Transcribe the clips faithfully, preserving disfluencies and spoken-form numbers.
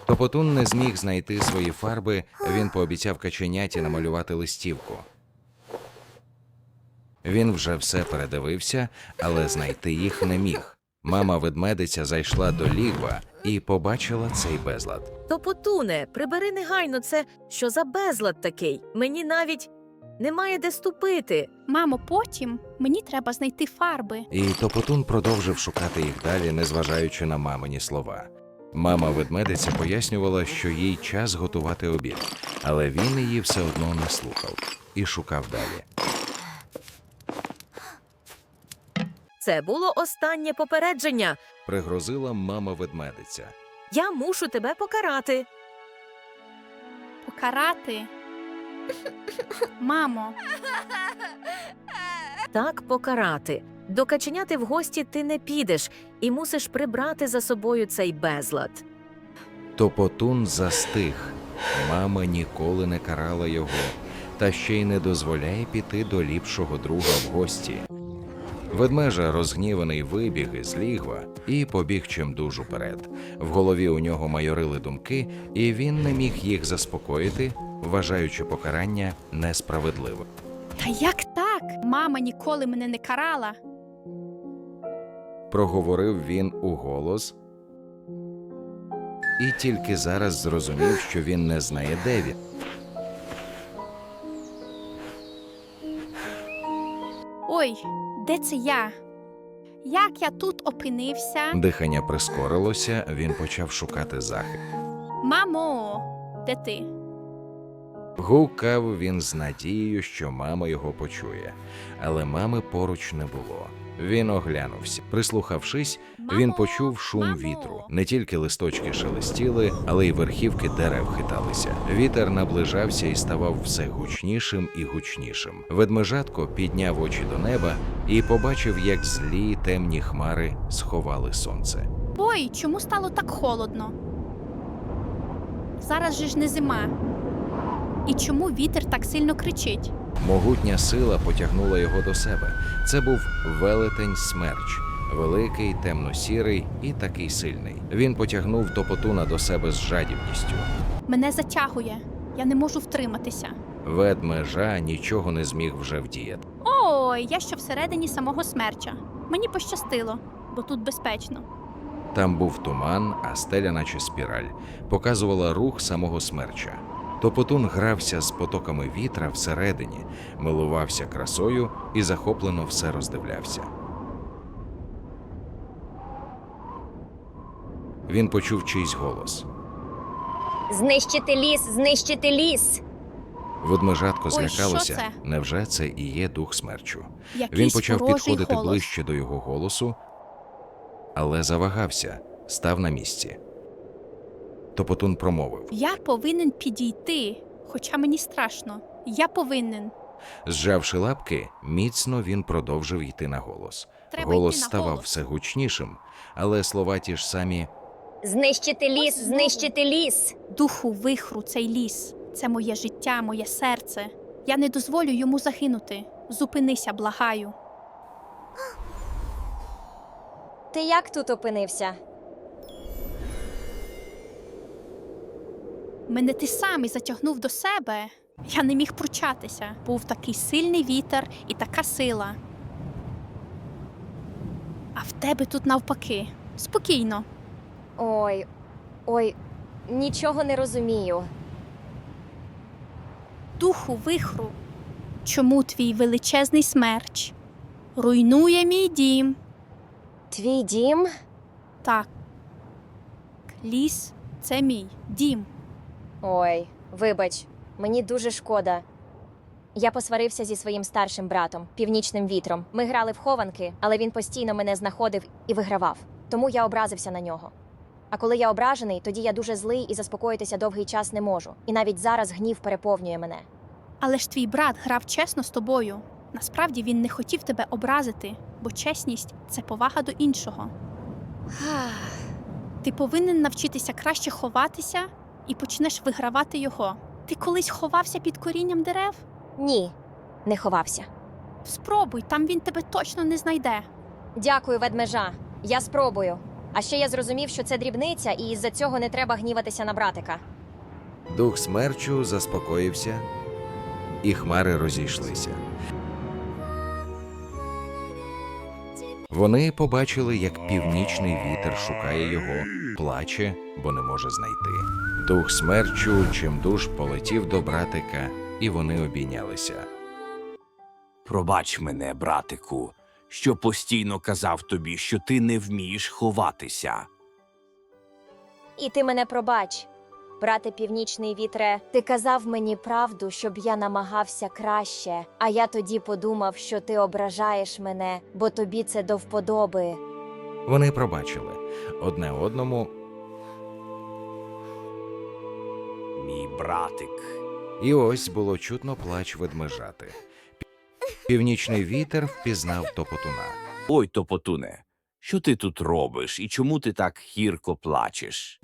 Топотун не зміг знайти свої фарби, він пообіцяв каченяті намалювати листівку. Він вже все передивився, але знайти їх не міг. Мама-ведмедиця зайшла до лігва і побачила цей безлад. Топотуне, прибери негайно це, що за безлад такий? Мені навіть немає де ступити. Мамо, потім мені треба знайти фарби. І Топотун продовжив шукати їх далі, незважаючи на мамині слова. Мама-ведмедиця пояснювала, що їй час готувати обід, але він її все одно не слухав і шукав далі. Це було останнє попередження. Пригрозила мама-ведмедиця. Я мушу тебе покарати. Покарати? Мамо, Так, покарати. До каченяти в гості ти не підеш і мусиш прибрати за собою цей безлад. Топотун застиг. Мама ніколи не карала його, та ще й не дозволяє піти до ліпшого друга в гості. Ведмежа, розгніваний, вибіг із лігва і побіг чимдуж уперед. В голові у нього майорили думки, і він не міг їх заспокоїти, вважаючи покарання несправедливим. та як так? Мама ніколи мене не карала. Проговорив він уголос, і тільки зараз зрозумів, що він не знає, де він. Ой, де це я? Як я тут опинився? Дихання прискорилося, він почав шукати захист. Мамо, де ти? Гукав він з надією, що мама його почує, але мами поруч не було. Він оглянувся. Прислухавшись, він почув шум Мамо! вітру. Не тільки листочки шелестіли, але й верхівки дерев хиталися. Вітер наближався і ставав все гучнішим і гучнішим. Ведмежатко підняв очі до неба і побачив, як злі темні хмари сховали сонце. Ой, чому стало так холодно? Зараз же ж не зима. І чому вітер так сильно кричить? Могутня сила потягнула його до себе. Це був велетень Смерч. Великий, темно-сірий і такий сильний. Він потягнув Топотуна до себе з жадібністю. Мене затягує. Я не можу втриматися. Ведмежа нічого не зміг вже вдіяти. Ой, я ще всередині самого смерча. Мені пощастило, бо тут безпечно. Там був туман, а стеля, наче спіраль, показувала рух самого Смерча. Топотун грався з потоками вітра всередині, милувався красою і захоплено все роздивлявся. Він почув чийсь голос. Знищити ліс, знищити ліс! Ведмежатко Ой, злякалося. що це? Невже це і є дух Смерчу? Якийсь Він почав ворожий підходити голос. ближче до його голосу, але завагався, став на місці. Топотун промовив. Я повинен підійти, хоча мені страшно. Я повинен. Зжавши лапки, міцно він продовжив йти на голос. Треба Голос йти на ставав голос. все гучнішим, але слова ті ж самі. Знищити ліс, Ось знову. знищити ліс! Духу вихру цей ліс. Це моє життя, моє серце. Я не дозволю йому загинути. Зупинися, благаю. Ти як тут опинився? Мене ти сам і затягнув до себе. Я не міг пручатися. Був такий сильний вітер і така сила. А в тебе тут навпаки. Спокійно. Ой, ой, нічого не розумію. Духу вихру. Чому твій величезний смерч руйнує мій дім? Твій дім? Так. Ліс – це мій дім. Ой, вибач, мені дуже шкода. Я посварився зі своїм старшим братом, Північним вітром. Ми грали в хованки, але він постійно мене знаходив і вигравав. Тому я образився на нього. А коли я ображений, тоді я дуже злий і заспокоїтися довгий час не можу. І навіть зараз гнів переповнює мене. Але ж твій брат грав чесно з тобою. Насправді він не хотів тебе образити, бо чесність – це повага до іншого. Ти повинен навчитися краще ховатися і почнеш вигравати його. Ти колись ховався під корінням дерев? Ні, не ховався. Спробуй, там він тебе точно не знайде. Дякую, ведмежа. Я спробую. А ще я зрозумів, що це дрібниця, і із-за цього не треба гніватися на братика. Дух смерчу заспокоївся, і хмари розійшлися. Вони побачили, як північний вітер шукає його, плаче, бо не може знайти. Дух смерчу чимдуж полетів до братика, і вони обійнялися. Пробач мене, братику, що постійно казав тобі, що ти не вмієш ховатися. І ти мене пробач. Брате північний вітре, ти казав мені правду, щоб я намагався краще, а я тоді подумав, що ти ображаєш мене, бо тобі це до вподоби. Вони пробачили одне одному, Мій братик. і ось було чутно плач ведмежати. Північний вітер впізнав Топотуна. Ой, Топотуне, що ти тут робиш і чому ти так гірко плачеш?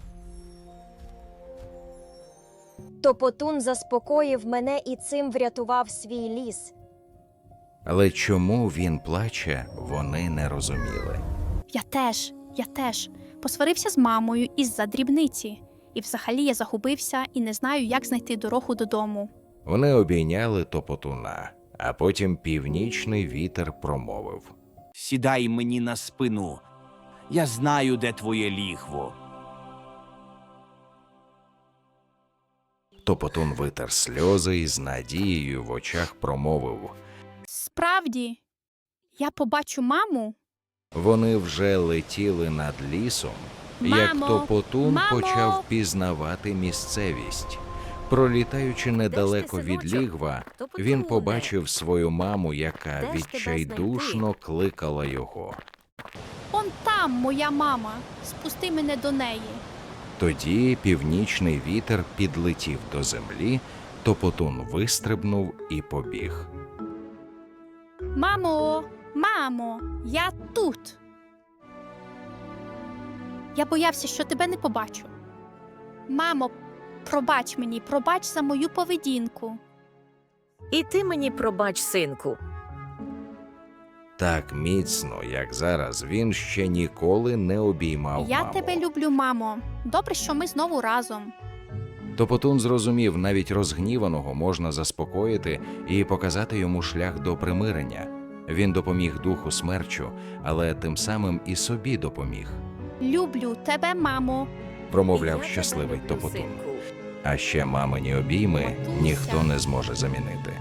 Топотун заспокоїв мене і цим врятував свій ліс. Але чому він плаче, вони не розуміли. Я теж, я теж посварився з мамою із-за дрібниці. І взагалі я загубився і не знаю, як знайти дорогу додому. Вони обійняли Топотуна, а потім північний вітер промовив. Сідай мені на спину. Я знаю, де твоє лігво. Топотун витер сльози і з надією в очах промовив. Справді, я побачу маму. Вони вже летіли над лісом, як Мамо! Топотун Мамо! почав пізнавати місцевість. Пролітаючи недалеко від синочок? лігва, Топотуне. він побачив свою маму, яка Де ж тебе відчайдушно кликала його. Он там моя мама. Спусти мене до неї. Тоді північний вітер підлетів до землі, Топотун вистрибнув і побіг. Мамо, мамо, я тут. Я боявся, що тебе не побачу. Мамо, пробач мені, пробач за мою поведінку. І ти мені пробач, синку. Так міцно, як зараз, він ще ніколи не обіймав Я маму. тебе люблю, мамо. Добре, що ми знову разом. Топотун зрозумів, навіть розгніваного можна заспокоїти і показати йому шлях до примирення. Він допоміг духу смерчу, але тим самим і собі допоміг, Люблю тебе, мамо. промовляв Я щасливий тебе люблю, Топотун. синку. А ще мамині обійми Матуся. ніхто не зможе замінити.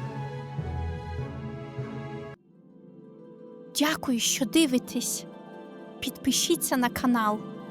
Дякую, що дивитесь. Підпишіться на канал.